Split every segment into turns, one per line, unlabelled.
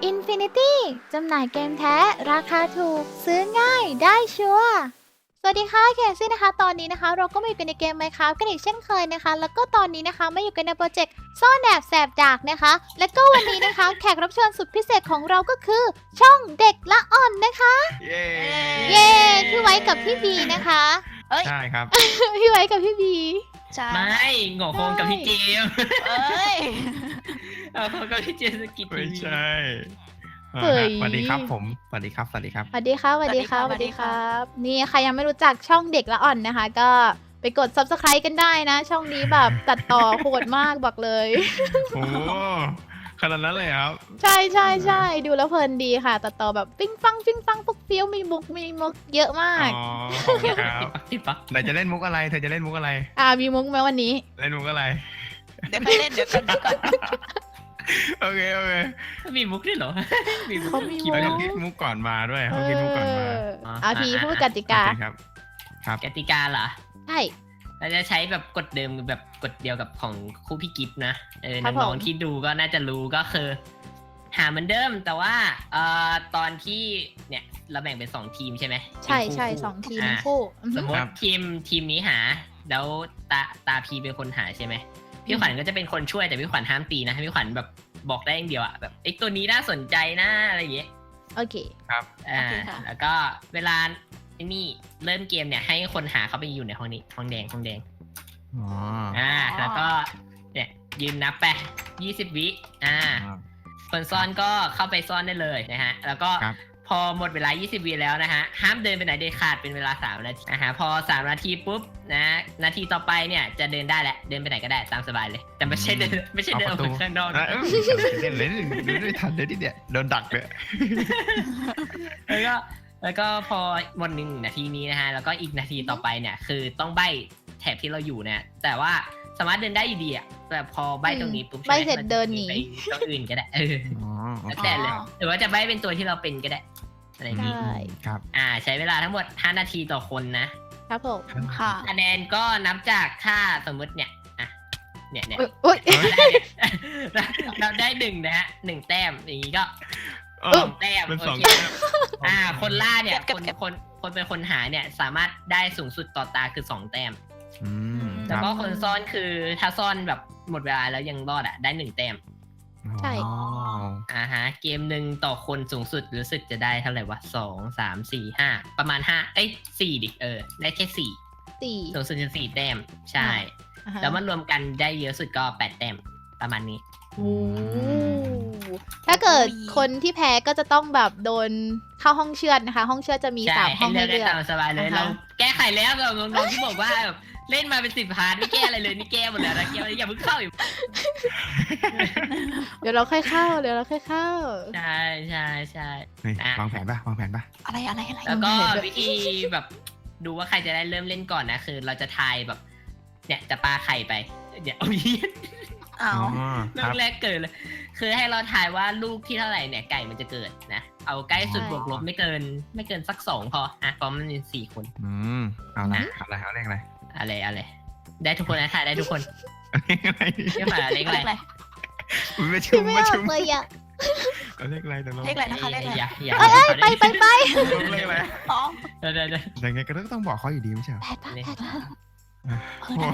Infinity จำหน่ายเกมแท้ราคาถูกซื้อง่ายได้ชัวร์สวัสดีค่ะแคซี่นะคะตอนนี้นะคะเราก็มาอยู่กันในเกม Minecraft กันอีกเช่นเคยนะคะแล้วก็ตอนนี้นะคะมาอยู่กันในโปรเจกต์ซ่อนแอบแสบดากนะคะและก็วันนี้นะคะ แขกรับเชิญสุดพิเศษของเราก็คือช่องเด็กละอ่อนนะคะ
เย้
เย้พี่ไว้กับพี่บีนะคะ
ใช่ครับ
พี่ไว้กับพี่บี
ใช่
ไม่โง่โคงกับพี่เจมส์
เอ้ย
โคงกับพี่เจมส์สกิท
ไม่
ทีวี
ใช่อ่า
เฮ้ย
สวัสดีครับผมสวัสดีครับสวัสดีครับ
สวัสดีครับสวัสดีครับสวัสดีครับ นี่ใครยังไม่รู้จักช่องเด็กละอ่อนนะคะ ก็ไปกด subscribe กันได้นะ ช่องนี้แบบตัดต่อโหดมากบอกเลย
โอ้ขนาดนั้นเลยครับ
ใช่ใช่ใช่ดูแล้วเพลินดีค่ะตัดต่อแบบปิ้งฟังปุ๊กเฟี้ยวมีมุกเยอะมาก
อ๋อขอบคุณครับ
พี่ปัก
ไหนจะเล่นมุกอะไรเธอจะเล่นมุกอะไร
มีมุกไหมวันนี้
เล่นมุกอะไร
เดี๋ยวค่อยเล่นเดี๋ยวก่อน
โอเคโอเค
มีมุกด้วยเหรอ มีมุก
เขามี
เขายังคิดมุกก่อนมาด้วยเขาคิดมุกก่อนมา
พี่พูดกติกา
โอเคครับครับ
กติกาเหรอ
ใช่
เราจะใช้แบบกฎเดิมแบบกฎเดียวกับของคู่พี่กิฟต์นะ
ครับ
น้อง
ผม
ๆที่ดูก็น่าจะรู้ก็คือ หาเหมือนเดิมแต่ว่าตอนที่เนี่ยเราแบ่งเป็น2ทีมใช่ไหม
ใช่
เป็นคู่
ใช่
คู่
สองทีม
อ่า
คู่อือ
ส
ฮึ
มมติทีมนี้หาแล้วตาพีเป็นคนหาใช่ไหมพี่ขวัญก็จะเป็นคนช่วยแต่พี่ขวัญห้ามตีนะให้พี่ขวัญแบบบอกได้อย่างเดียวอะแบบไอ้ตัวนี้น่าสนใจนะอะไรอย่างเงี้ย
โอเค
ครับ
แล้วก็เวลาไอ้นี่เริ่มเกมเนี่ยให้คนหาเข้าไปอยู่ในห้องนี้ห้องแดง
อ๋อ
แล้วก็เนี่ยยืนนับไป20 วิคนซ่อนก็เข้าไปซ่อนได้เลยนะฮะแล้วก็
ครับ
พอหมดเวลา20 วิแล้วนะฮะห้ามเดินไปไหนเด็ดขาดเป็นเวลา3 นาทีนะฮะพอ3 นาทีปุ๊บนะนาทีต่อไปเนี่ยจะเดินได้แหละเดินไปไหนก็ได้ตามสบายเลย แต่ไม่ใช่เดินออกไปข้างนอก
นะ
นะ
เล่นเลยไม่ทันเลยที่เนี่ยโดนดักเลย
แล้วก็พอหมด1 นาทีนี้นะฮะแล้วก็อีกนาทีต่อไปเนี่ยคือต้องใบ้แถบที่เราอยู่เนี่ยแต่ว่าสามารถเดินได้อยู่ดีอะแต่พอใบ้ตรงนี้ปุ๊บ
ใบ้เสร็จเดินหนี
ไปตรงอื่นก็ได้
อ๋อโอ
แล้ว
เค
แต่เลยหรือว่าจะใบ้เป็นตัวที่เราเป็นก็ได้อะไรอย่างนี้
ใช่
ครับ
ใช้เวลาทั้งหมด5 นาทีต่อคนนะครับ
ผม
ค่ะ
คะแนนก็นับจากถ้าสมมติเนี่ยเนี่ย
อุ๊ย
เราได้1นะฮะ1 แต้มอย่างนี้ก็
อ๋อ
2 แต้ม
เป็น
โอ
สอง
เค
แต้ม
คนล่าเนี่ย
เก็บ
คนเป็นคนหาเนี่ยสามารถได้สูงสุดต่อตาคือ2 แต้ม
อืมค
แล้ว
รับ
ก็คนซ่อนคือถ้าซ่อนแบบหมดเวลาแล้วยังรอดได้1 แต้ม
ใช่
อ๋อ
เกมหนึ่งต่อคนสูงสุดรู้สึกจะได้เท่าไหร่วะ2 3 4 5ประมาณ4ดิได้แค่4
สี่
สูงสุดคือ4 แต้มใช่
อ่าฮะ
แล้วมันรวมกันได้เยอะสุดก็8 แต้มประมาณนี้
โอ้ถ้าเกิดคนที่แพ้ก็จะต้องแบบโดนเข้าห้องเชือดนะคะ ห้องเชือดจะมี
ใช่
3 ห้อง
ให้
ให้
เลือกได้
เลือก
ตามสบายเลย
อ่าฮะ
เราแก้ไขแล้วแบบน้องๆที่บอกว่าแบบเล่นมาเป็น10 พาร์ทไม่แก้อะไรเลยนี่แก้หมดแล้วนะแก้อย่าเพิ่งเข้าอยู่
เดี๋ยวเราค่อยเข้าเดี๋ยวเราค่อยเข้า
ใช่ใช่ใช่
นี่
อ่ะ
วางแผนป่ะวางแผนป่ะ
อะไร
แล้วก็
เห็นด้วย
วิธีแบบดูว่าใครจะได้เริ่มเล่นก่อนนะคือเราจะทายแบบ เนี่ยจะปาไข่ไปเดี๋ยวเอาเหี้ย
อ้าว
เรื่
ค
อ
รับ
งแรกเกิดเลย คือให้เราทายว่าลูกที่เท่าไหร่เนี่ยไก่มันจะเกิดนะ เอาใกล้สุด
ใช่
บวกลบไม่เกินสัก2พอเพราะมันมี4 คน
อืมเอาละเอาเลขอะไร
อะไรได้ทุกคนนะทายได้ทุกคน
อะไร
เรียกมาเลขอะไร
อะไร
ไม่ชุ
พี่
ม
ไม่
ไม่
ออ
ชุ
ก
ม
เลยอ่ะ
เอาเลขอะไรแต่เรา
เลขอะไรนะคะเลขอะไร
อย่า
เอ้ยไป
เลขอะไร
อ๋อ
เดี๋ยว
แต่ไงก็ต้องบอกเขาอยู่ดีไม่ใช่เหรอ
แปดปะแปดปะ
โอ้โห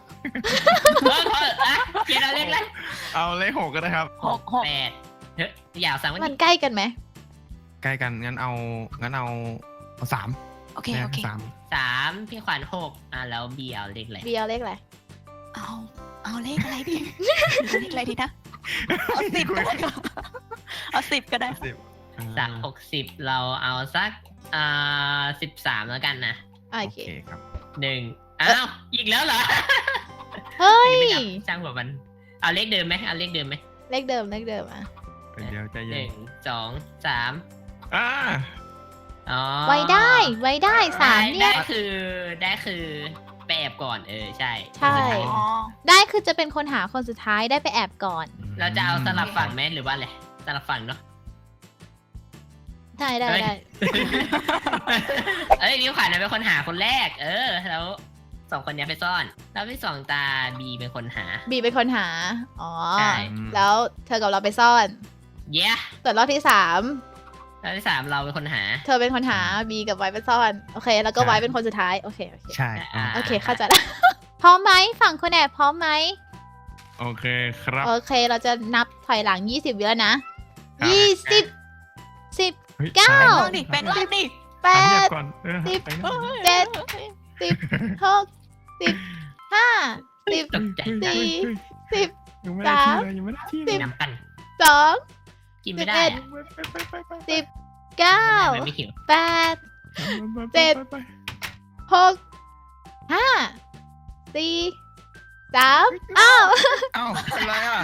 เกียร์เอาเลขอะไร
เอาเลข6ก็ได้ครับ
หก
8เฮ้ยอย่าสั่งว่า
มันใกล้กันไหม
ใกล้กันงั้นเอา3
โอเค
3พี่ขวัญ6แล้วบีเอาเลขอะไร
เบียร์เลขอะไร
เอาเลขอะไรดีเลขอะไรดีนะเอา10ก็ได้ค่ะเอา10ก็ได้
จาก60เราเอาสัก13แล้วกันนะ
โอ
โอ
เค
เคครับ
1อ้าวอีกแล้วเหรอ
เฮ้ย
อันนี้ไม่นับช่างหัวมันเอาเลขเดิมไหม
เลขเดิมอ่ะ
เดี๋ยวใจเย็น
1 2 3
อ่า
อ๋อ
ไว้ได้3เนี่ย
ได้คือไปแอบก่อนใช่
ใช่
อ๋อ
ได้คือจะเป็นคนหาคนสุดท้ายได้ไปแอบก่อน
เราจะเอาสลับฝั่งไหมหรือว่าอะไรสลับฝั่งเนาะ
ได้
เอ้ยนิ้วขวัญเป็นคนหาคนแรกแล้ว2 คนนี้ไปซ่อนแล้วที่2ตาบีเป็นคนหา
บีเป็นคนหาอ๋อ
ใช่
แล้วเธอกับเราไปซ่อน
เย้
ส่วนรอบที่
รอบที่ 3เราเป็นคนหา
3เธอเป็นคนหาบีกับไว้เป็นซ่อนโอเคแล้วก็ไว้เป็นคนสุดท้ายโอเค
ใช่
โอเคเข้าใจแล้ว พร้อมไหมฝั่งคุณแอบพร้อมไหม
โอเคครับ
โอเคเราจะนับถอยหลัง20วิแล้วนะ
ครับ
20 10
ฮ้ย
เก้า
สย
แปลงร่างดิ
แป
สามเงีย
ด
บก่อน
สิบ
ไปนะ
เจ็ดสิบหกสิบห้าสิบ
ตกใจ
สี่สิบ
ยังไม่ได้ที่เลยยังไม่ได้ที่เลย
น้ำกัน
สอง
กินไม่ได้
ไป
สิบเก้า
มันไม่หิว
แปด เจ็ด
ไป
หกห้าสี่สามอ้าว
เอ้าอะไรอ่ะ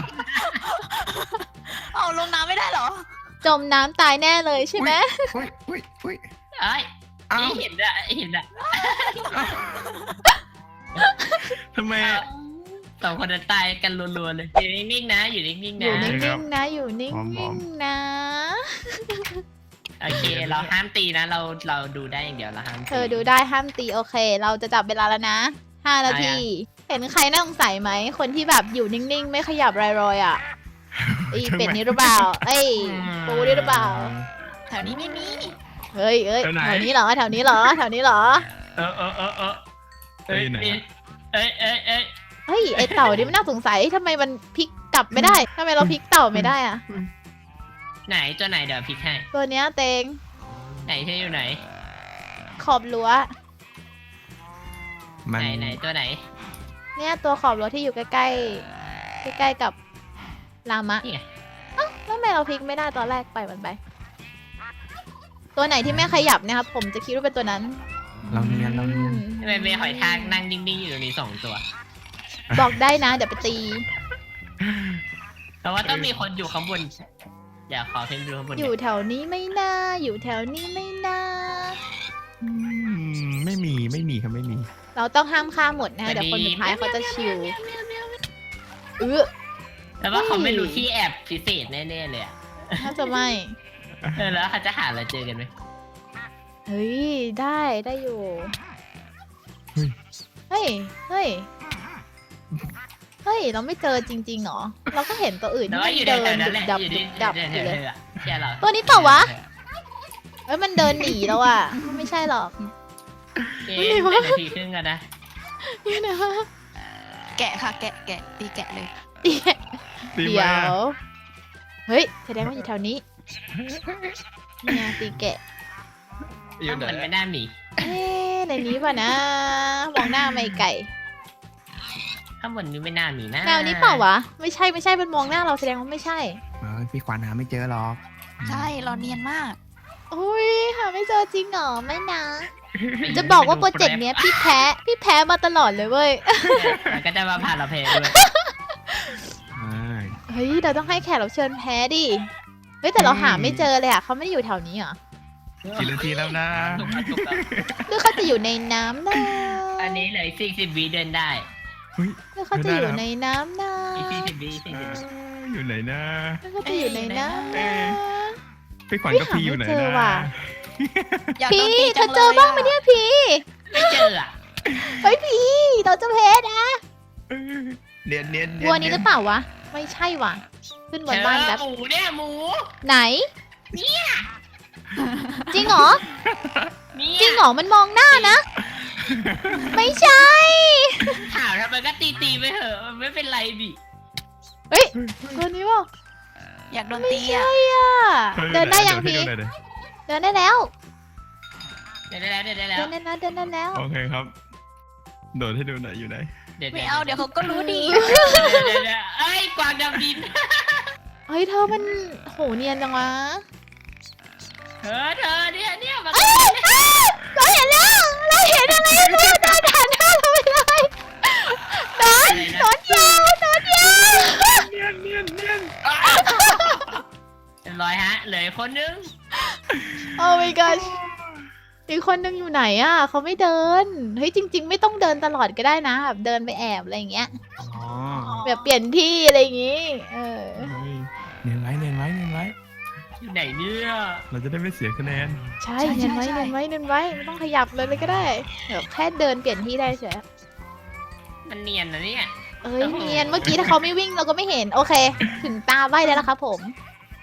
เอาลงน้ำไม่ได้เหรอ
จมน้ำตายแน่เลยใช่ไหม
อุ้ย
เอ้ย
เอ้า
เห็นอะเห็นอะ
ทำไม
สองคนจะตายกันรัวๆเลยอยู่นิ่งๆนะอยู่นิ่งๆ
อยู่
นะ
นิ่งๆนะอยู่นิ่
หอม
งๆนะ
โอเคเราห้ามตีนะเราดูได้อย่างเดียวเราห้ามตี
เธอดูได้ห้ามตีโอเค เราจะจับเวลาแล้วนะ5 นาที เห็นใครน่าสงสัยไหมคนที่แบบอยู่นิ่งๆ ไม่ขยับรอยๆอ่ะไอเป็ดนี้หรือเปล่าเอ้ยปูนี่หรือเปล่า
แถวนี้ไม่มี
เฮ้ยแถวนี้เหรอแถวนี้เหรอแถวนี้เหรอ
เอ้ยเอ้ย
เฮ้ยไอเต่านี่มันน่าสงสัยทำไมมันพลิกกลับไม่ได้ทำไมเราพลิกเต่าไม่ได้อ่ะ
ไหนตัวไหนเดี๋ยวพลิกให้
ตัวเนี้ยเตง
ไหนที่อยู่ไหน
ขอบรั้ว
มัน
ไหนตัวไหน
เนี่ยตัวขอบรั้วที่อยู่ใกล้ๆใกล้ๆกับลามะ
นี่ไง
แล้วทำไมเราพลิกไม่ได้ตอนแรกไปมันไป ตัวไหนที่ไม่ขยับนะครับผมจะคิดว่าเป็นตัวนั้น
เราเนียน
ทำไมเมย์หอยทากนั่งนิ่งๆอยู่ตรงนี้2 ตัว
บอกได้นะเดี๋ยวไปตี
แต่ว่าต้องมีคนอยู่ข้างบนเดี๋ยวขอเพิ่มดูข้างบน
อยู่แถวนี้ไม่น่าอยู่แถวนี้ไม่น่า
ไม่มีครับไม่มี
เราต้องห้ามฆ่าหมดนะเดี๋ยวคนสุดท้ายเขาจะชิว
แต่ว่าเขาไม่รู้ที่แอบพิเศษแน่ๆเลยอะ
น่าจะไม่
แล้วเขาจะหาเราเจอกันไหม
เฮ้ยได้อยู่
เฮ้ย
เฮ้ยเราไม่เจอจริงๆหรอเราก็เห็นตัวอื่น
แต่
ที่
ว่า
มัน
อยู่
เดิน
แถวๆนั้นแหละ
ดับ
อยู่
ดับ
แถ
อยู่
ว
เลย
ๆอะแค่เรา
ตัวนี้เปล่าวะ เอ้ยมันเดินหนีแล้วอ่ะไม่ใช่หรอก
เอ๊ะเป็นนาทีครึ่งกันนะ
นี่นะ
แกะค่ะ แกะตีแกะเลย
ตี
เดี๋
มา
ยวเฮ้ยแสดงว่าอยู่แถวนี้เนี่ยตีแกะ
อยู่ไหน
มันไม่น่ามี
เอ๊ะในนี้ป่ะนะมองหน้าไม่ไก่
ข้างบนนี้ไม่น่ามีนะ
แนวนี้เปล่าวะไม่ใช่มันมองหน้าเราแสดงว่าไม่ใช่
พี่ขวัญหาไม่เจอหรอก
ใช่ เราเนียนมาก
อุ้ยหาไม่เจอจริงเหรอไม่นะ จะบอกว่าโปรเจกต์เนี้ยพี่แพ้มาตลอดเลยเว้ย
มันก็จะมาผ่านเราเพลด้วย
เฮ้ยเราต้องให้แขกรับเชิญแพ้ดิเฮ้ยแต่เราหาไม่เจอเลยอ่ะเขาไม่ได้อยู่แถวนี้เหรอ
กี่นาทีแล้วนะ
ถูกแล้ว
หรือเขาจะอยู่ในน้ำนะ
อันนี้เหลย40 วิเดินได้
หรือเขาจะอยู่ในน้ำนะ
อีก40 วิ40 วิ
อยู่ไหนนะ
หรือเขาจะอยู่ในน้ำนะ
พี่ขวัญกับพี่อยู่ไหน
หาไม่เจอ
นะ
ว่ะ
อยากโด
พี่
นตี
เธ
จั
อง
เลย
เจอบ้างไหมเนี่ยพี่
ไม่เจออะ
เฮ้ยพี่เราจะแพ้นะ
เนียน
วัวนี้หรือเปล่าวะไม่ใช่ว่ะขึ้นบนบ้านแบบ
หมูเนี่ยหมู
ไหนจริงเหรอ
เนี่
จริ
ย
งเหรอมันมองหน้านะ ไม่ใช่
ถามทำไมก็ตีไปเถอะมันไม่เป็นไรดิ
เฮ้ยตัวนี้เปล่า
อยากโดน
ไม่
ตี
ใช่
อ่ะ
อ่ะเดินได้ยังพี่เดินได้แล้ว
เดี๋ยวได้แล้ว
เดินได้แล้ว
โอเคครับ โดดให้ดูหน่อยอยู่ไหน
ไม่เอา เดี๋ยวเขาก็รู้ดี
เอ้ยกวางดำดิน
เฮ้ยเธอมันโหเนียนจังวะ
เธอเนี่ยมัน
เราเห็นแล้วเราเห็นอะไรเพื่อนเดินผ่านหน้าเราไปเลยนอนยาว
เนียน
เรียบร้อยฮะเหลือคนนึง
โอ้ my god อีกคนนึงอยู่ไหนอ่ะเขาไม่เดินเฮ้ยจริง ๆ ไม่ต้องเดินตลอดก็ได้นะแบบเดินไปแอบอะไรอย่างเงี้ย
อ๋อ
แบบเปลี่ยนที่อะไรอย่างงี้
เนียนไว้
อยู่ไหนเนี่ย
เราจะได้ไม่เสียคะแนน
ใช่เนียนไว้ไม่ต้องขยับเลยก็ได้แบบแค่เดินเปลี่ยนที่ได้เฉย
มันเนียนนะเนี่ย
เอ้ยเนียนเมื่อกี้ถ้าเขาไม่วิ่งเราก็ไม่เห็นโอเค ถึงตาใบได้แล้วครับผม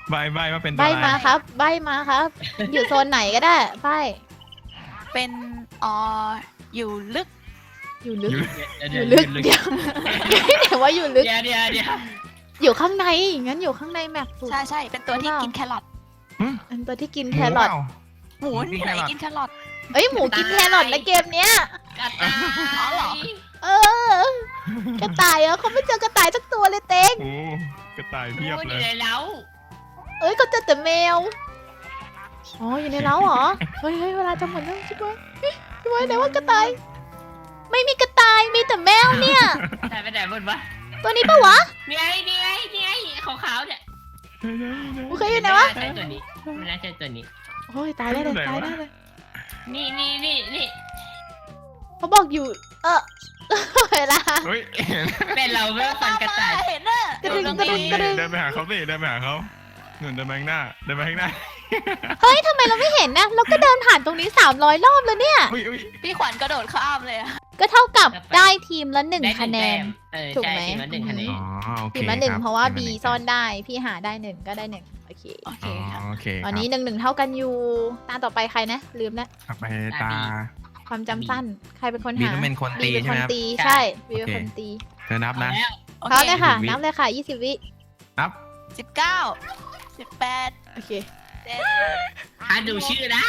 ใบว่าเป็นตัว
ใบ
อะไร
มาครับ ใบมาครับ อยู่โซนไหนก็ได้ใบ
เป็นอยู่ลึก
อยู่ลึก
เดี๋ยว
อยู่ลึกเดี๋ยวเดี๋ยวว่าอยู่ลึก
เดี๋ยว
อยู่ข้างในงั้นอยู่ข้างในแมปสุด
ใช่เป็นตัวที่กินแครอท
อันตัวที่กิน
ห
แค
มู
ร
เป
อท
ล่า
หมูที่ไหนกินแครอท
เอ้ยหมูกินแครอทนะเกมเนี้ย
กระต่าย
อ๋อเหรอ
เออกระต่ายเหรอเขาไม่เจอกระต่ายสักตัวเลยเต็ง
โอ้กระต่ายเพียบ
พูดอ
เล
ยู่
ย
ในเล้า
เอ้ยเขาเจอแต่แมวอ๋ออยู่ในเล้าเหรอเฮ้ยเวลาจะหมดแล้วช่วยช่วยไหนว่ากระต่ายไม่มีกระต่ายมีแต่แมวเนี่ย
แต่ไปไหนหมดวะ
ตัวนี้ปะวะ
นี่ไงขาวๆเนี่ย
โอเคอยู่ไหนวะ
ใช่ตัวนี้ไม่น่าใช่ตัวนี้
โอ้ยตายได้เลยตายได้เลย
นี่
เขาบอกอยู่ เวลา
เฮ้ย
เป็นเราเพื่อฟันกระต่าย
เห็นน่ะ
กระดึง
ตรง
กระดึง
นี้
กระดึง
เดินไปหาเขาสิเดินไปหาเขาหนุนเดินไปข้างหน้าเดินไปข้างหน้า
เฮ้ยทำไมเราไม่เห็นนะเราก็เดินผ่านตรงนี้300 รอบแล้วเนี่ย
อุ้ย
พี่ขวัญกระโดดข้ามเลยอะ
ก็เท่ากับ
ครับ
ได้ทีมละ
ได้
1 คะแนน ถู
ถู
ก
ก
ไห
ๆ
ม
ไหมทีมละ1 คะแนน
อ๋อโอเค
ทีมละ 1
คบ
เพราะว่า
ที
B
มละ
ซ่อนได้พี่หาได้1ก็ได้1โอเค
โอเค
อ๋อ
ค่ะ
โอเค
ตอนนี้1-1เท่ากันอยู่ตาต่อไปใครนะลืมแล้ว
กลับไปตา
ความจำสั้นใครเป็นคน
บี
หา
ต้องเป็นคน
บี
ตี
เป็น
ใช่
ค
ไหม
น
ครับ
ตี
ใช่
ใช่บีเป็น
โอเค
คนตี
เธอนับนะ
แล้ว
โอ
พร้อม
เค
เลยค่ะ
20 วิ
นับเลยค่ะ20 วิ
นับ
19 18
โอเค
ถ้าดูชื่อนะ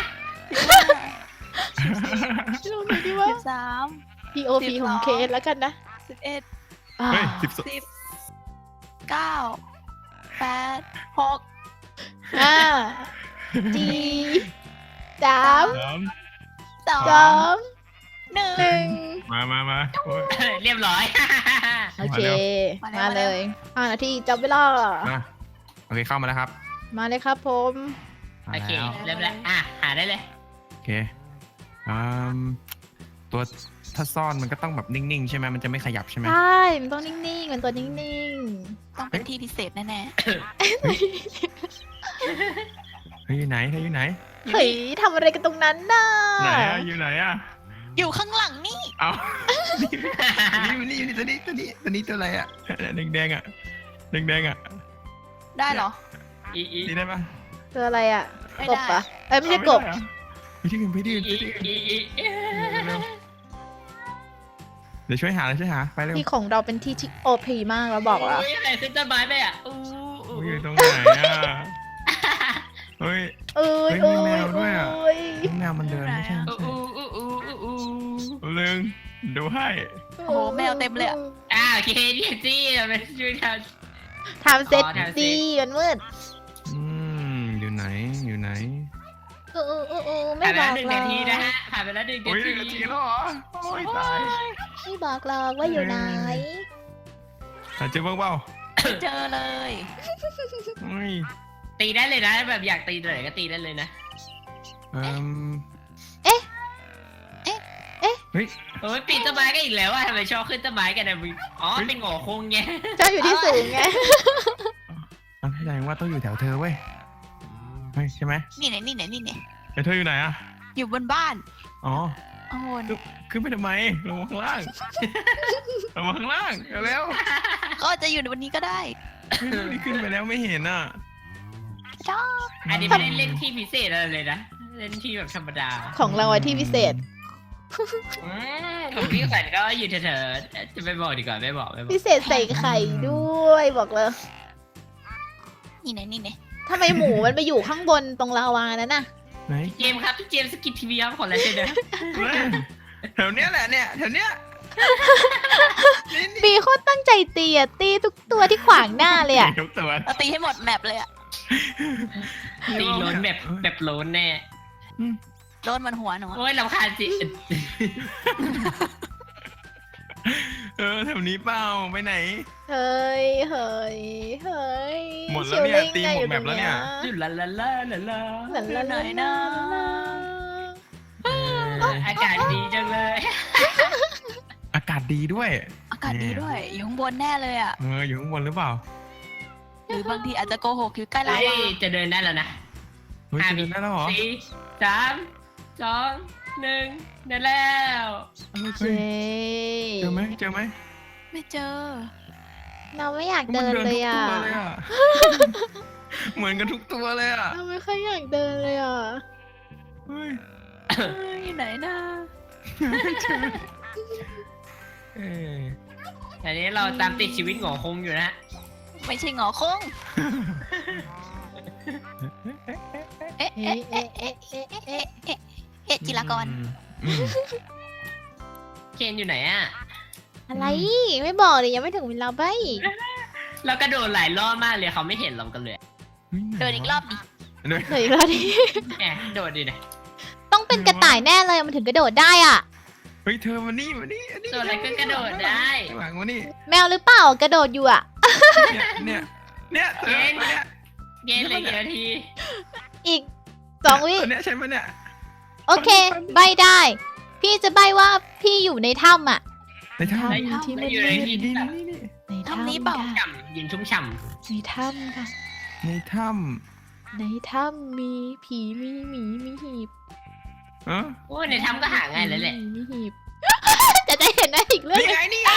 ลงไหนดีวะ
13
POV ของเคสแล้วกันนะ
11
อ่า
เฮ้ย
10
12
9 8 6
4 3
2
2 1
มาโอ้ย
เรียบร้อย
โอเค
มาเร็ว
มาเลย5 นาทีจับเวลา
มาโอเคเข้ามาแล้วครับ
มาเลยครับผม
มา
โอเค
แล้ว
เริ่มแล้วหาได้เลย
โอเคอืมตัวถ้าซ่อนมันก็ต้องแบบนิ่งๆใช่ไหมมันจะไม่ขยับใช่ไหม
ใช่มันต้องนิ่งๆมันตัวนิ่ง
ต้องเป็นที่พิเศษแน่
เฮ้ยอยู่ไหนเธออยู่ไหน
ๆเฮ้ยทำอะไรกันตรงนั้นน่ะ
ไหนอะอยู่ไหนอะ
ๆ อยู่ข้างหลังนี่
เอานี่ตัวนี้ตัวอะไรอะแดงๆอะแดงๆอะ
ได้เหรอ
อี
ตีได้ปะ
ตัวอะไรอ่ะ
ไม่
กบ
ได้
ปะเอ้ยไม่ใช่กบ
ไปที่อื่นเดี๋ยวช่วยหาไปเร็ว
ที่ของเราเป็นที่ที่โอพีมากแล้วบอกว่า
โอ้ยอะไรขึ้นต้นไม้ไปอ่ะอู้
อยู่ตรงไหนอะเฮ้ย
เอ้ย
เฮ้
เอ้
ยมี
ย
แมวด้วยอะ
เอ้ย
แมวมันเดินไม่ใช่ เรื่องดูให้
โอ้โหแมวเต็มเลยอะ
โอเคนี่สิเราไปช่วยกัน
ทำเสร็จ
อ๋อทำเสร็จ
สิมันมืด
อยู่ไหน
ไม่
ผ่าน
บ
ไป
อ
แล้ว
ก
1 นาที
เรา
นะฮะผ่านไปแล้ว1
โอ้ย
นา
1 นา
ที
ทีแล้วเหรอโอ้ยตาย
ไม่บอกเราว่าอยู่ไหน
เจอบ้างเปล่า
เจอเลย
เฮ้ย
ตีได้เลยนะแบบอยากตีตัวไหนก็ตีได้เลยนะ
เฮ้ย
โอ้ยปีนต้นไม้ก็อีกแล้วอ่ะทำไมชอบขึ้นต้นไม้กันนะอ๋อเป็นหงอคงไง
เจ้าอยู่ที่สูงไง
แสดงว่าต้องอยู่แถวเธอเว้ยเฮ้ยใช่ไหม
นี่ไหน
เธออยู่ไหนอะ
อยู่บนบ้าน
อ๋อ
ข้างบน
ขึ้นไปทำไมลงมาข้างล่างลงมาข้างล่างเร็ว
ก็จะอยู่บนนี้ก็ได้
นี่ขึ้นไปแล้วไม่เห็นอ่ะ
จ้า
อันนี้ไม่ได้เล่นที่พิเศษอะไรเลยนะเล่นที่แบบธรรมดา
ของเราอะที่พิเศษ
ของพี่ขวัญก็อยู่เถอะๆจะไม่บอกดีกว่าไม่บอก
พิเศษใส่ไข่ด้วยบอกเลย
นี่ไหน
ทำไมหมูมันไปอยู่ข้างบนตรงลาวานั้นน่ะ
ไหน
เจมส์ครับพี่เจมส์สกิททีวีครับขอลายเซ็นนะ
แถวเนี้ยแหละเนี่ยแถวเนี้ย
บีโคตรตั้งใจตีอะตีทุกตัวที่ขวางหน้าเลยอะ
ทุกตัว
เราตีให้หมดแมปเลยอะ
ตีโลนแบบโลนแน่
โดนมันหัวหนูอะ
โอ้ยลำคาญสิ
แถวนี้เปล่าไปไหน
เฮ้ย
หมดแล้วเนี่ยตีหมดแมปแล้วเนี่ย
จุลาลาลาลาลา
หลันละไหนนะ
อากาศดีจังเลย
อากาศดีด้วย
อากาศดีด้วย อยู่ข้างบนแน่เลยอะ
อยู่ข้างบนหรือเปล่า
หรือบางทีอาจจะโกหกอยู่ใกล้เรา
เฮ้ยจะเดินได้แล้วนะ
เฮ้ยจะเดินได้แล้วเหรอ
4 3 2 1เดินแล้ว
โอเค
เจอไหม
ไม่เจอ
เราไม่อยากเดินเลยอะ
มันเหมือนกันทุกตัวเลยอ่ะ
เราไม่ค่อยอยากเดินเลยอ่ะ
เฮ้ย
อยู่ไหนนะ
อันนี้เราตามติดชีวิตของคงอยู่นะ
ไม่ใช่งอคงเอ๊ะ
เอ๊ะ
เอ๊ะ
เอ๊ะเอ๊ะเอ๊ะเอ๊ะ
เอ๊ะจิรากร
อืม
เคนอยู่ไหนอ่ะ
อะไรไม่บอกเลยยังไม่ถึงเวลาใบ
เรากระโดดหลายรอบมากเลยเขาไม่เห็นเรากันเลย
เดินอีกรอบดิ
เดิน
เหนื่อยแล้วดิ
แหมโดดดิเนี่ย
ต้องเป็นกระต่ายแน่เลยมันถึงกระโดดได้อ่ะ
เฮ้ยเธอมานี่มานี่อันนี้
ตัวอะไรก็กระโดดได้
ข้างหลังมานี่
แมวหรือเปล่ากระโดดอยู่อ่ะ
เนี่ยเธอมาเนี่ย
เย็นเลยกี่นาที
อีก2 วิ
ตัวเนี่ยใช่ไหมเนี่ย
โอเค ใบได้ พี่จะใบว่าพี่อยู่ในถ้ำอ่ะ
ในถ้ำ
ในถ้ำที่
ไม่
มัน
อยู่ในที่
นี่
แบบ
นี่นี่
ใน
ทำนี้เปล่า
ค่ะ
ฉ่ำเย็นชุ่มฉ่
ในถ้ำค่ะ
ในถ้
ในถ้ำมีผีมีหมีมีหีบ
ำเออ
ำโอ้ยในถ้ำก็หาง่ายเลยแหละ
มีหีบ จะได้เห็นได้อีกเรื่อง
นี่
หนึ่ง
ไงนี่ไง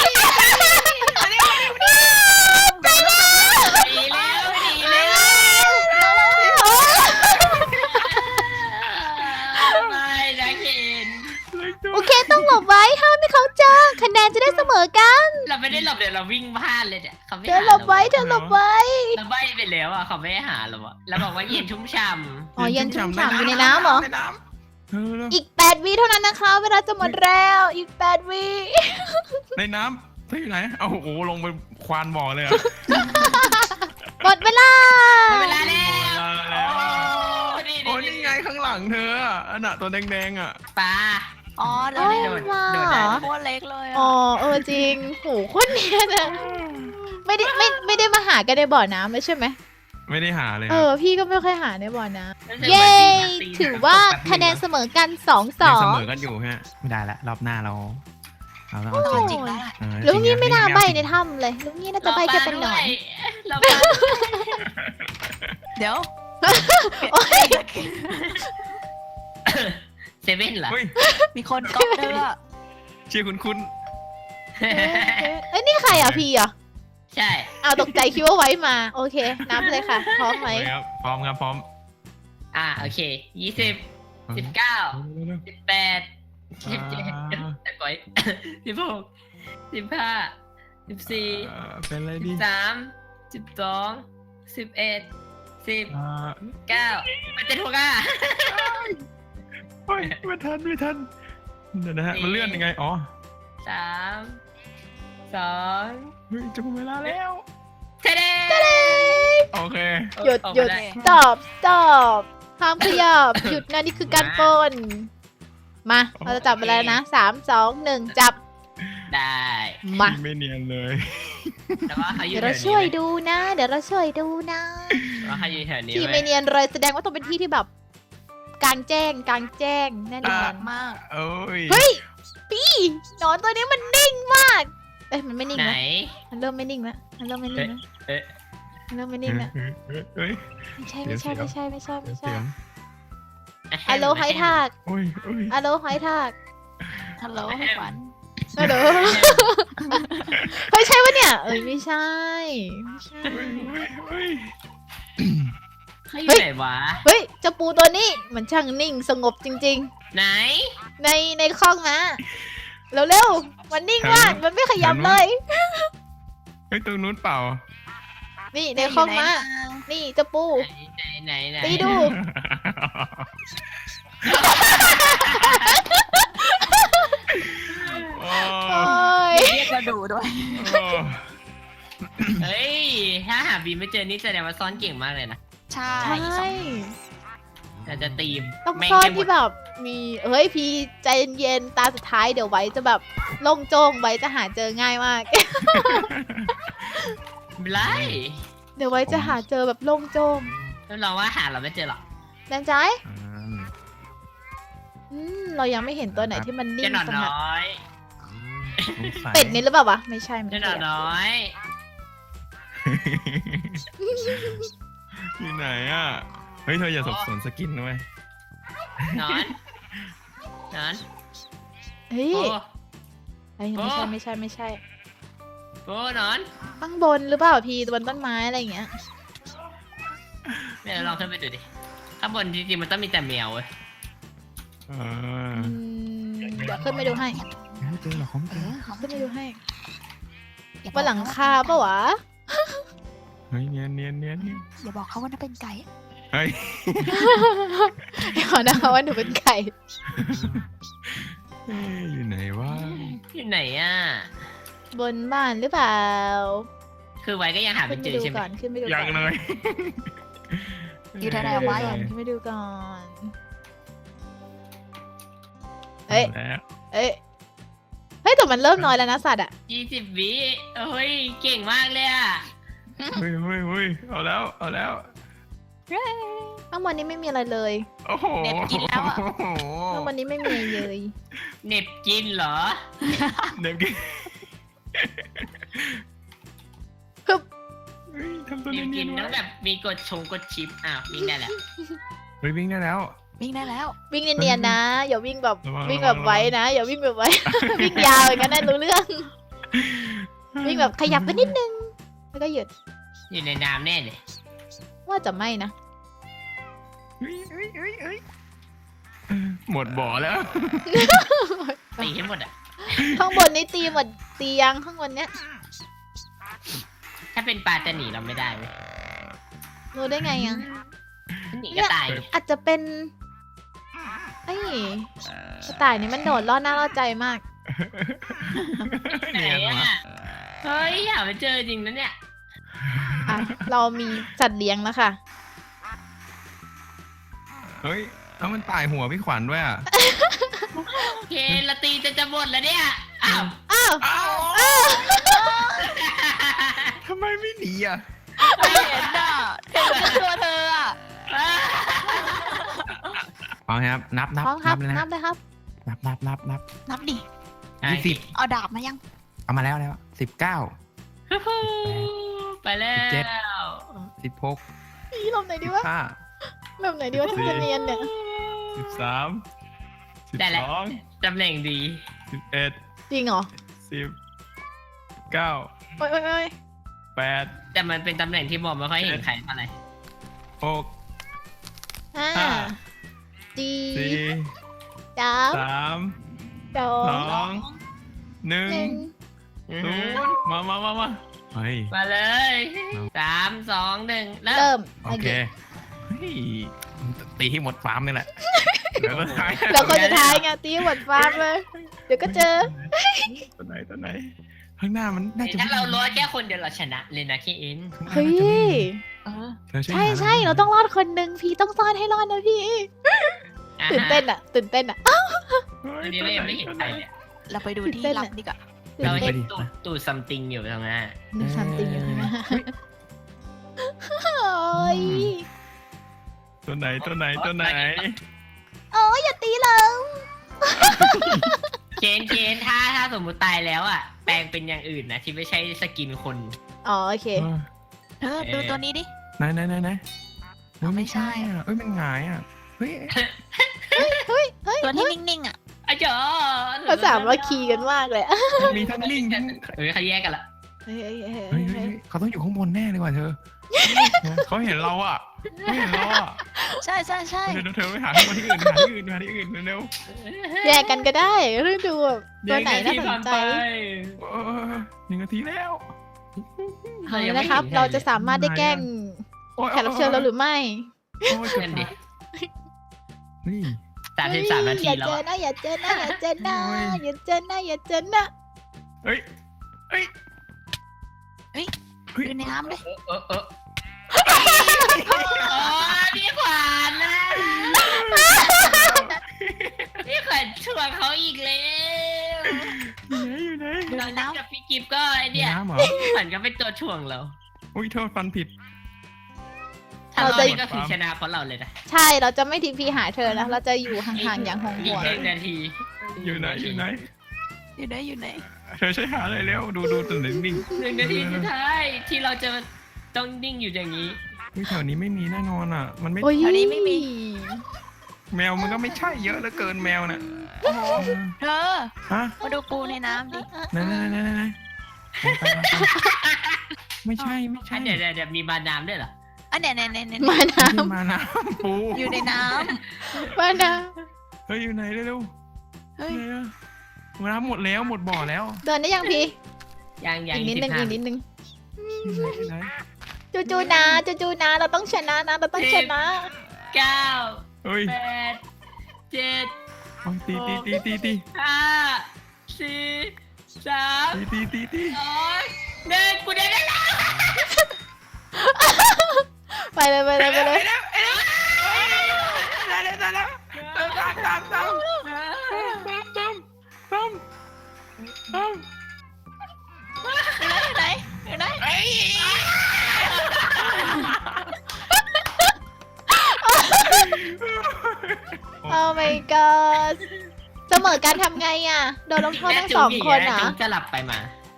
ดีแล้วดีแล้วไม่นะเคน
โอเคต้องหลบไว้ห้ามให้เขาเจอคะแนนจะได้เสมอกัน
เราไม่ได้หลบเดี๋ยวเราวิ่งพลาดเลยเนี่ยเขาไม่
เธอ
หา
หลบไว้เธอหลบไว้
เราใบไปแล้วอ่ะเขาไม่ให้หาเราอ่ะเราบอกว่าเย็นชุ่มฉ่ำ
อ๋อเย็นชุ่มฉ่ำอยู่ในน้ำเหรอ
ในน้ำเออ
อีก8 วิเท่านั้นนะคะ เวลาจะหมดแล้วอีก8 วิ
ในน้ำเธออยู่ไหนเอาโอ้โหลงไปควานบ่อเลยเหรอ
หมดเวลา
หมดเวลาแล้ว
โอ้นี่ไงข้างหลังเธออ่ะอันน่ะตัวแดงๆอ่ะ
ปลา
อ๋อ
โอ้
เดิน
ย
ได้
มา
โดด
เหร
ได้
อ
โคตรเล็กเลยอะ
อ๋อจริงโหโคนเนียนอะไม่ได้มาหากันในบ่อน้ำเลยใช่ไหม
ไม่ได้หาเลย
พี่ก็ไม่ค่อยหาในบ่อน้
รู้
ำ
สึกเหมือน
เย้
ปีน
ถือว่าคะแนนเสมอกัน
ยังเสมอ
2-2
กันอยู่ฮะไม่ได้ละรอบหน้าเราต้อง
โอ้
เอาจริง
จริงแล้วล่ะ
ลุงนี่ไม่น่าใบในถ้ำเลย ลุงนี่น่าจะใบแค่เป็นหนอน
เราปลา
เดี๋ยว
โอ๊ย
เซเว่นเหรอ
เฮ้ย
มีคนก๊อปเด้อ
ชื่อคุณ
เอ้ยนี่ใครอ่ะพี่อ่ะ
ใช่
อ้าวตกใจคิดว่าไว้มา โอเค นับเลยค่ะ พร้อมไหม
ครับพร้อมครับพร้อม
โอเค20 19 18 17แต่ก่อย16 15 14
เป็นอะไรดี
13 12 11 10
อ่า
9มันจะถูกอ่ะ
เฮ้ยไม่ทันเดี๋ยวนะฮะมันเลื่อนยังไงอ๋อ
3 2
เฮ้ยจะหมดเวลาแล้ว
เทเด
โอเค
หยุด
โอเค
stop ห้ามขยับ หยุดนะนี่คือการปล้น มา เราจะจับเวลานะ 3 2 1 จับ
ได้
มา
ไม่เนียนเลย
แต่ว่าเขาอยู่
เดี๋ยว
แถ
เรา
วนี้
ช่วยดูนะ เดี๋ยวเราช่วยดูนะ
ว่าเขาอยู่แถวนี้
ที่
ว้
ไม่เนียนเลยแสดงว่าต้องเป็นที่ที่แบบกลางแจ้งแน่นอน
มาก
โอ้ย
เฮ้ย พี่หนอนตัวนี้มันนิ่งมาก เอ้ยมันไม่นิ่ง
ไหน
นะมันเริ่มไม่นิ่งแล้วมันเริ่มไม่นิ่งแล้ว
เอ๊ะ
มันเริ่มไม่นิ่งแล้ว
เฮ้ย
ไม่ใช่
เดี๋
ไม่
ยว
ใช่
เสียว
ไม่ใช่ไม่ใช่ไม่
เสี
ใช่
ยง
ฮัลโหลไฮทาก
โอ้ย
ฮัลโหลไฮทาก
ฮัลโหลขวัญ
ฮัลโหลเฮ้ยใช่ปะเนี่ยเอ้ยไม่ใช่ไม่ใช่
เฮ้ย
เขาอยู่ไหนวะ
เฮ้ยเจ้าปูตัวนี้มันช่างนิ่งสงบจริง
ไหน
ๆ ในคลองนะเร็วๆมันนิ่งมากมันไม่ขยับเลย
เฮ้ยตรงนู้นเปล่า
นี่ในคลองม้านี่เจ้าปู
ไหน
ตีดู
โอ้
โอ้ย
เรียกมาดูด้วย
เฮ้ย ถ้าหาบีไม่เจอนี่แสดงว่าซ่อนเก่งมากเลยนะ
ใช่
ใช่
เราจะตีม
ต้อง
แม่ง
ซ่อน
ให้หม
ที่
ด
แบบมีเฮ้ยพี่ใจเย็นๆตาสุดท้ายเดี๋ยวไว้จะแบบโล่งโจ้งไว้จะหาเจอง่ายมาก
ไม่ไร
เดี๋ยวไว้จะหาเจอแบบโล่งโจ้ง
รับรองว่าหาเราไม่เจอหรอก
แน่ใจเรายังไม่เห็นตัวไหนที่มันนิ่
เจ้าง หนอน
ขนาด
น้อย
เป็ดนี่หรือเปล่าวะไม่ใช่มัน
เจ้าหนอนน้อย
ที่ไหนอ่ะ เฮ้ยเธออย่าสับสนสกินนะเว้ย
นอนนอน
เฮ้ย
โอ้
เฮ้ยไม่ใช่
โอ้นอน
ข้างบนหรือเปล่าพี่บนต้นไม้อะไรอย่างเงี้ย
ลองขึ้นไปดูดิข้างบนจริงๆมันต้องมีแต่แมวเว้ย
เดี๋ยวขึ้นไปดูให้
ไม่เจอหรอกเขาไม่
เอ
เจอ
อเขา
ขึ้นไปดูให้
อย่าบอก
บนหลังคาปะวะ
เฮ้ยเนียนนี่
อย่าบอกเขาว่านั่นเป็นไก่
เฮ้ย
ขอนะคะว่าหนูเป็นไก่
เอ๊ะอยู่ไหนวะ
อยู่ไหนอ่ะ
บนบ้านหรือเปล่า
คือไว้ก็ยังหา
ขึ้
ไม่
นไป
เจอ
ดู
ใช่ไหม
ก่อนขึ้นไปดู
ยั
ก่
ง
อน
เลย
อยู่ไหน
ขึ้นไปดู
วะ
ก่อนขึ้นไปดูก่อนเอ้ย
แล้ว
เอ้ยเฮ้ยแต่มันเริ่มน้อยแล้วนะสัตว์อะ
20 วิเฮ้ยเก่งมากเลยอ่ะ
เฮ้ยเอาแล้ว
ข้างบนนี้ไม่มีอะไรเลย
โอ้โห
เน็บกินแล้วอ่ะ
ข้างบนนี้ไม่มีเลย
เหน็บกินเหรอ
เน็บกิน
ฮึบ
เฮ้ยทำตัว
เหน็บ
เนี
กิ
ย
น
นๆ
ต้อง
ไว้
แบบมีกดชิปวิ่งได้แล้ว
เฮ้ยวิ่งได้แล้ว
วิ่งได้แล้ว
วิ่งเนียนๆนะ อย่าวิ่งแบบ
ระวัง
วิ่งแบบไว้นะ อย่าวิ่งแบบไว้ วิ่งยาวอย่างนั้นนะรู้เรื่อง วิ่งแบบขยับไปนิดนึงแล้วก็หยุด
อยู่ในน้ำแน่เลย
ว่าจะไม่นะ
เฮ้ยหมดบ่อแล้ว
ตีให้หมดอ่ะ
ข้างบนนี้ตีหมดตียังข้างบนเนี้ย
ถ้าเป็นปลาจะหนีเราไม่ได้เว้ย
รู้ได้ไงยัง
หนีก็ตาย
อาจจะเป็นไอ้กระต่ายนี่มันโดดล่อหน้าล่อใจมาก
ไหน
เนียน
อ่ะ
วะ
เฮ้ยอยากไปเจอจริงนะเนี่ย
อ่ะ เรามีสัตว์เลี้ยงแล้วค่ะ
เฮ้ยแล้วมันตายหัวพี่ขวัญด้วยอ่ะ
โอเคละตีจะหมดแล้วเนี่ย อ้าว
อ้าว
อ้าวทำไมไม่หนีอ่ะ
ไม่เห็นอ่ะเห็นแค่ตัวเธออ่ะ
เอาครับนับ
พร้อมครับ
เลยนะ
นับเลยครับ
นับ
นับดิ
20
เอาดาบมายัง
เอามาแล้ว19
ฮู้ฮู้ไปแล้ว
16
นี่ลมไหนดีวะ
15
ลมไหนดีวะที่มันจะเนียนเนี่ย
13
ได้แล้ว
12
ตำแหน่งดี
11
จริงเหรอ
10 9
โอ้ยโอ้ยโอ้ย
8
แต่มันเป็นตำแหน่งที่มองไม่ค่อยเห็นใครเท่าไหร่
6
ห้า
ห้า
สี่
4
สาม
3
สอง
2
หนึ่ง
1 0มาเฮ้ย
มาเลย3 2 1เริ่ม
เริ่ม
โอเคเฮ้ยตีให้หมดฟาร์มนี่แหละเดี๋ยวก็ท้าย
แล้วคนสุดท้ายไงตีหมดฟาร์มเลย เดี๋ยวก็เจอ
ตัวไหนข้างหน้ามันน่าจะ
ถ้าเราล้วนแค่คนเดียวเราชนะเลยนะพี่เอ็น
เฮ้ย
เออ
ใช่ใช่เราต้องรอดคนหนึ่งพี่ต้องซ่อนให้รอดนะพี่ ตื่นเต้นอ่ะ ตื่นเต้นอ่ะ
อันนี้เรายังไม่เห็นใครเลย
เราไปดูที่
เต้น
ลั
อะ
บดีกว่า
ตื่
เรา
นเต้
เห็
น
นตูดซัมติงอยู่ตรงหน้า
นึกซัมติงอยู่ข้างหน้าโอ้ย
ตัวไหน
โอ้ยอย่าตีเรา
เคนถ้าสมมุติตายแล้วอ่ะ แปลงเป็นอย่างอื่นนะที่ไม่ใช่สกินคน
อ๋อโอเค
เธอดูตัวนี้ดิ
ไหน
ไม่ใช่
อ่ะเอ้ยมันหงายอ่ะเฮ้ย
ตัวที่นิ่งๆอ่ะ
อาจารย์
ภาษามาคีกันมากเลยอะ
มีทั้งลิงทั้ง
เขาแยกกันละ
เฮ้ย
เฮ้ยเขาต้องอยู่ข้างบนแน่เลยว่ะเธอเขาเห็นเราอ่ะ
ใช่
เดี๋ยวเธอไปหาที่อื่นเร็ว
แยกกันก็ได้เรื่องดูแบบตัวไหนน่าสนใจ
1 นาทีแล้ว
เอาเลยนะครับ เราจะสามารถได้แกล้งแขกรับเชิญเราหรือไม่
นั่นดิ
นี่
33 นาทีแล้ว
อย่าเจอนะอย่าเจอนะอย่าเจอนะอย่าเจอนะอย่าเจอนะ
เฮ้ย
อยู่ในน้ำด้วย
โอ้พี่ขวัญนะพี่ขวัญชวนเขาอีกแล้ว
อยู่ไหน
อยู่ในน้
กับพี่กิฟก็ไอเนี่ย
น้ำเหรอ
พี่ขวัญก็เป็นตัวถ่วงเรา
อุ้ยโทษฟันผิด
ถ้าเรานี่ก็คือชนะเพราะเราเลยนะ
ใช่เราจะไม่ทิ้งพี่หาเธอนะเราจะอยู่ห่างๆอย่างห่วง
อี
ห่
ก
วง
1 นาที
อยู่ไหน
อยู่ไหน
เธอใช้หาอะไรเร็วดูตัวนิ่ง
1 นาทีสุดท้ายที่เราจะต้องนิ่งอยู่อย่างนี้
แถวนี้ไม่มีแน่นอนอ่ะ มันไม่
โอ้ย
แมวมันก็ไม่ใช่เยอะเหลือเกินแมวน่ะ
ำโอ้โหเธอ
ฮะ
มาดูปูในน้ำดิ
ไหนไม่ใช่
เดี๋ยวมีบาดน้ำด้วยเหรอ
อันเนี้ย
มาน้
มาน้ำปู
อยู่ในน้
ำมาน้
เฮ้ยอยู่ไหนเร็ว
ำเฮ้ย
ๆไหนอะน้ำหมดแล้วหมดบ่อแล้ว
ำเดินได้ยังพี่
ยัง
อีกนิดนึง
15
อีกนิดนึง
อยู่ไหน
จูนะจูนะเราต้องชนะนะเราต้องชนะ
เก้า
เฮ้ย
แปดเจ็ด
เอาตี
ห้าสี่สาม
ตี
สองหนึ่งกูได้แล้ว
ไปเลยไปเลยไปเลย
ได้แล้วตาม
อยู่ไหนอยู่ไหน
โอ้ my god เสมอการทำไงอ่ะโดนลงโทษทั้งสองคนอ่ะ
จุ๊บจะหลับไปมา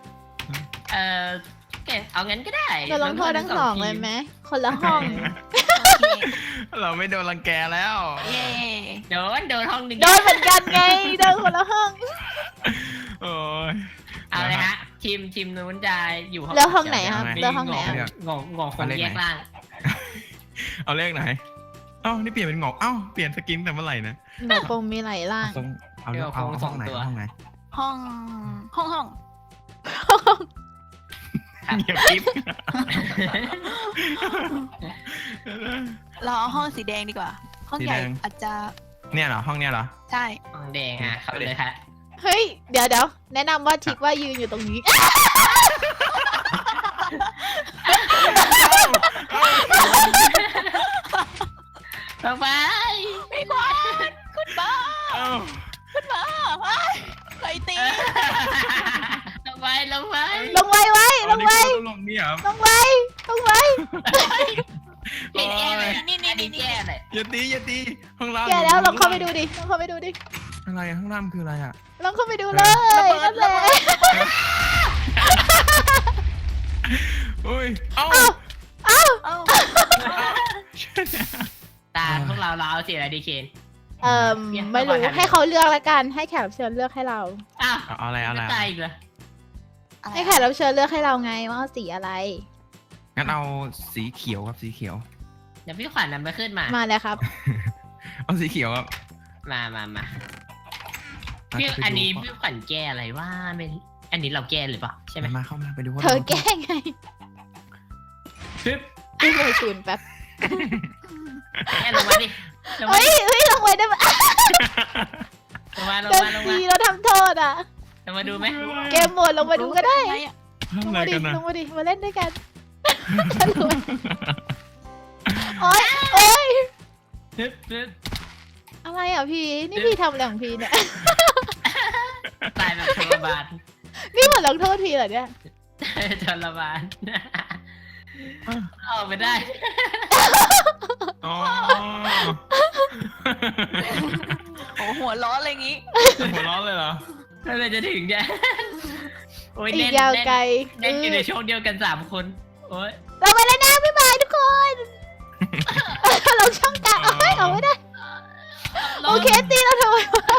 เอางั้นก็ได้
โดนลงโทษทั้งสองเลยไหมคนละห้อง
โอเค
เราไม่โดนรังแกแล้ว
เย่
โดนห้องหนึ่ง
โดนเหมือนกันไงโดนคนละห้อง
โอ้ย
เอาเลยฮะทีมนู้นจะอยู่ห้อง
แล้วห้องไหนครับ
มี
แล้วห้องไหน
เดี๋
อ่ะ
ยว
งอคงแยกล่าง
เอาเลขไหนเอ้านี่เปลี่ยนเป็นหงอกเอ้าเปลี่ยนสกินแต่เมื่อไหร่นะ
หนูคงมีหลายร่าง
เอาห้องไหนห้องไหน
ห้อง
เงียบกิ๊บ
เราเอาห้องสีแดงดีกว่า ห้องใหญ่
สีแดง
อาจจะ
เนี่ยเหรอห้องเนี่ยเหรอ
ใช่
ห้องแดงอ่ะเข้าไปเลยฮะ
เฮ้ยเดี๋ยวแนะนำว่าทิกว่ายืนอยู่ตรงนี้
ลงไป
ไม่ควรคุณบ้า
เอ้า
คุณบ้าใครตี
ลงไป
ลงไว้ไว้ลงไว้
ลงนี่เหรอ
ลงไว้ลงไว้
โอ้ย
นี่
อันนี้แก้เลย
อย่าตีห้องล่าง
แกแล้วลองเข้าไปดูดิลองเข้าไปดูดิ
อะไรห้องล่างคืออะไรอ่ะ
ลองเข้าไปดูเลยนั่นแหละ
อุ้ยเอ้า
เอ้า
ตาพวกเราเอาสีอะไรดีเคน
ไม่รู้ให้เขาเลือกละกันให้แขกรับเชิญเลือกให้เรา
อ้าว
เอาอะไร
ไม่ตายอีกเหรอ
ให้แขกรับเชิญเลือกให้เราไงว่าเอาสีอะไร
งั้นเอาสีเขียวครับสีเขียว
เดี๋ยวพี่ขวัญนำไปขึ้นมา
มาเลยครับ
เอาสีเขียวครับ
มาพี่อันนี้พี่ขวัญแก้อะไรว่าไม่อันนี้เราแก้หรือเปล่าใช่ไหม
มาเข้ามาไปดูว่า
เธอแก้ไง
ปึ๊บ
พี่เลยศูนย์แป๊บ
แก้ลงมาดิลงมา
เฮ้ยลงไปได้ไหม
ลง
เดิน
มา
สีเราทำโทษอ่ะ
ลงมาดูไหม
เกมหมดลงมาดูก็ได้
ทำ
ลง
อะไร
มาดิ
กันนะ
ลงมาดิมาเล่นด้วยกันโอ๊ยโอ๊ย
ปึ๊บ
อะไรอ่ะพี่นี่พี่ทำอะไรของพี่เนี่ย
ตายแบบทรมาน
นี่เหมือนลงโทษพี่เหรอเนี่ย
ทรมานเอาไม่ได้
อ๋อ
โอ้หัวร้อนอะไรงี้
หัวร้อนเลยเหรอ
เมื่อไรจะถึงเนี่ยโอ้ย
อี
เล่
ก
น
ยาวไกล
เล่นอยู่ในช่วงเดียวกัน3 คนโอ้ย
เราไปแล้วนะบ๊ายบายทุกคนเราช่องกลางเอาไม่ได้โอเคตีเราทำไม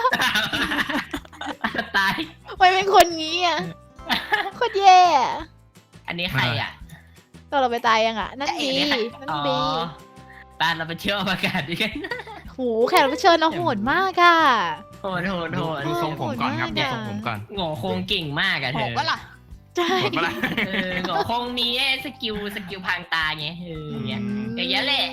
ตาย
ไม่เป็นคนงี้อ่ะโคตรแย่อะ
อันนี้ใครอ่ะ
ตอนเราไปตายยังอ่ะนั่นบีนั่น
อ๋อ
บี
ตาเราไปเที่ยวอวกาศด้วยกัน
โหแขกรับเชิญเราโหดมากอ่ะ
โหด
ดูทรงผมก่อนครับ
โหด
ดู
มากอะ
ทรงผมก่อน
โง่โคงเก่งมากอะ
โห
เธอ
ก็ล่ะ
ใช่
หมดปะล่ะ
โง่โคงมีสกิลพรางตาไงอย่างเงี้ย อย่างเงี้ยแหละ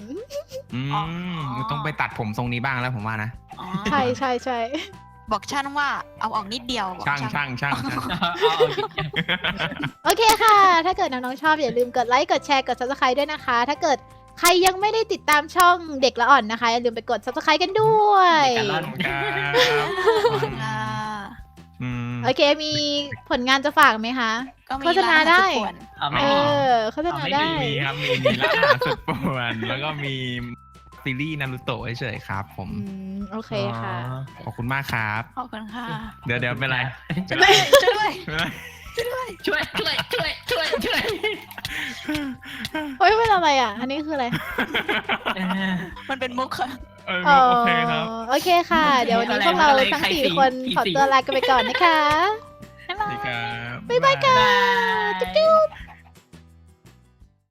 ต้องไปตัดผมทรงนี้บ้างแล้วผมว่านะ
อ๋อ
ใช่ใช่ใช่
บอกช่างว่าเอาออกนิดเดียวบอก
ช่าง
โอเคค่ะ ถ้าเกิดน้องๆชอบอย่าลืมกดไลค์กดแชร์กด subscribe ด้วยนะคะ ถ้าเกิดใครยังไม่ได้ติดตามช่องเด็กละอ่อนนะคะอย่าลืมไปกด subscribe กันด้วย
เด็กละอ่อน
อ่า
โอเคมีผลงานจะฝากไหมคะ
ก็มี
โฆษณาได้
ร้นอหรสุป่วน
เอาไหม
เออโฆษณาได้
มีครับมีร้านอาหารสุดป่วนแล้วก็มีซีรีส์นารูโตะเฉยๆครับผม
โอเคค่ะ
ขอบคุณมากครับ
ขอบคุณค่ะ
เดี๋ยวเป็นไร
ช่วยด้วย
เป็นไร
ช่วย
เฮ้ยเป็นอะไรอ่ะ อันนี้คืออะไร
มันเป็นมุกค่ะ
โอเคครับ
โอเคค่ะ เดี๋ยววันนี้พวกเราทั้ง4 คนขอตัวลากันไปก่อนนะคะ
สวัสดีครับ
บ๊ายบายค่ะ จุ๊บ